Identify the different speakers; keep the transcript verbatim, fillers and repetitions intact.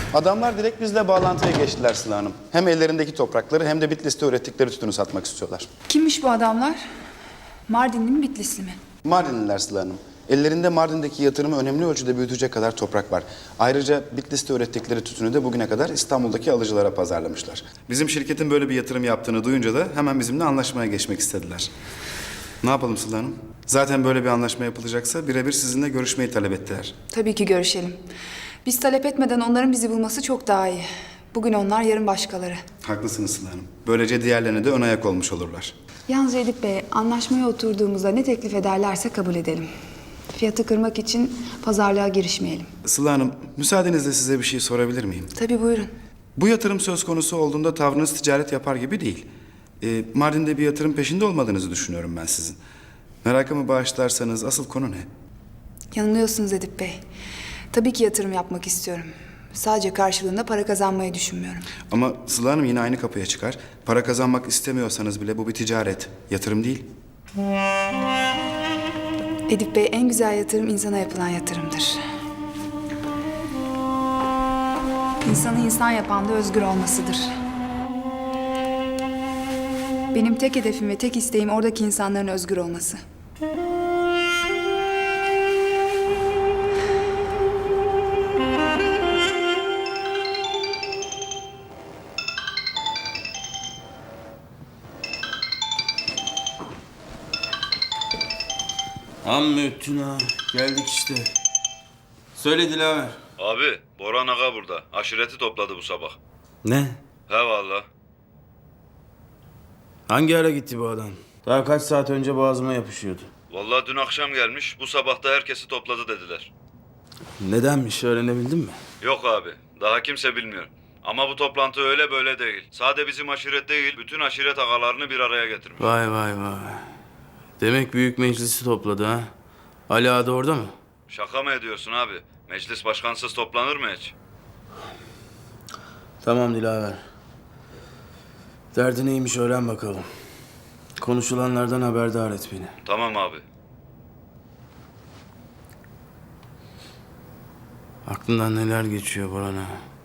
Speaker 1: Adamlar direkt bizle bağlantıya geçtiler Sıla Hanım. Hem ellerindeki toprakları hem de Bitlis'te ürettikleri tütünü satmak istiyorlar.
Speaker 2: Kimmiş bu adamlar? Mardinli mi, Bitlisli mi?
Speaker 1: Mardinliler Sıla Hanım. Ellerinde Mardin'deki yatırımı önemli ölçüde büyütecek kadar toprak var. Ayrıca Bitlis'te ürettikleri tütünü de bugüne kadar İstanbul'daki alıcılara pazarlamışlar. Bizim şirketin böyle bir yatırım yaptığını duyunca da hemen bizimle anlaşmaya geçmek istediler. Ne yapalım Sıla Hanım? Zaten böyle bir anlaşma yapılacaksa birebir sizinle görüşmeyi talep ettiler.
Speaker 2: Tabii ki görüşelim. Biz talep etmeden onların bizi bulması çok daha iyi. Bugün onlar, yarın başkaları.
Speaker 1: Haklısınız Sıla Hanım. Böylece diğerlerine de ön ayak olmuş olurlar.
Speaker 2: Yalnız Edip Bey, anlaşmaya oturduğumuzda ne teklif ederlerse kabul edelim. Fiyatı kırmak için pazarlığa girişmeyelim.
Speaker 1: Sıla Hanım, müsaadenizle size bir şey sorabilir miyim?
Speaker 2: Tabii, buyurun.
Speaker 1: Bu yatırım söz konusu olduğunda tavrınız ticaret yapar gibi değil. Ee, Mardin'de bir yatırım peşinde olmadığınızı düşünüyorum ben sizin. Merakımı bağışlarsanız asıl konu ne?
Speaker 2: Yanılıyorsunuz Edip Bey. Tabii ki yatırım yapmak istiyorum. Sadece karşılığında para kazanmayı düşünmüyorum.
Speaker 1: Ama Sıla Hanım yine aynı kapıya çıkar. Para kazanmak istemiyorsanız bile bu bir ticaret, yatırım değil.
Speaker 2: Edip Bey, en güzel yatırım insana yapılan yatırımdır. İnsanı insan yapan da özgür olmasıdır. Benim tek hedefim ve tek isteğim oradaki insanların özgür olması.
Speaker 3: Amma öttün ha. Geldik işte. Söyle Dilaver.
Speaker 4: Abi, Boran Aga burada. Aşireti topladı bu sabah.
Speaker 3: Ne?
Speaker 4: He valla.
Speaker 3: Hangi ara gitti bu adam? Daha kaç saat önce boğazıma yapışıyordu.
Speaker 4: Vallahi dün akşam gelmiş, bu sabah da herkesi topladı dediler.
Speaker 3: Nedenmiş öğrenebildin mi?
Speaker 4: Yok abi, daha kimse bilmiyor. Ama bu toplantı öyle böyle değil. Sade bizim aşiret değil, bütün aşiret agalarını bir araya getirmiş.
Speaker 3: Vay vay vay. Demek büyük meclisi topladı ha. Ali Ağa da orada mı?
Speaker 4: Şaka mı ediyorsun abi? Meclis başkansız toplanır mı hiç?
Speaker 3: Tamam Dilaver. Derdi neymiş öğren bakalım. Konuşulanlardan haberdar et beni.
Speaker 4: Tamam abi.
Speaker 3: Aklından neler geçiyor Boran ağa?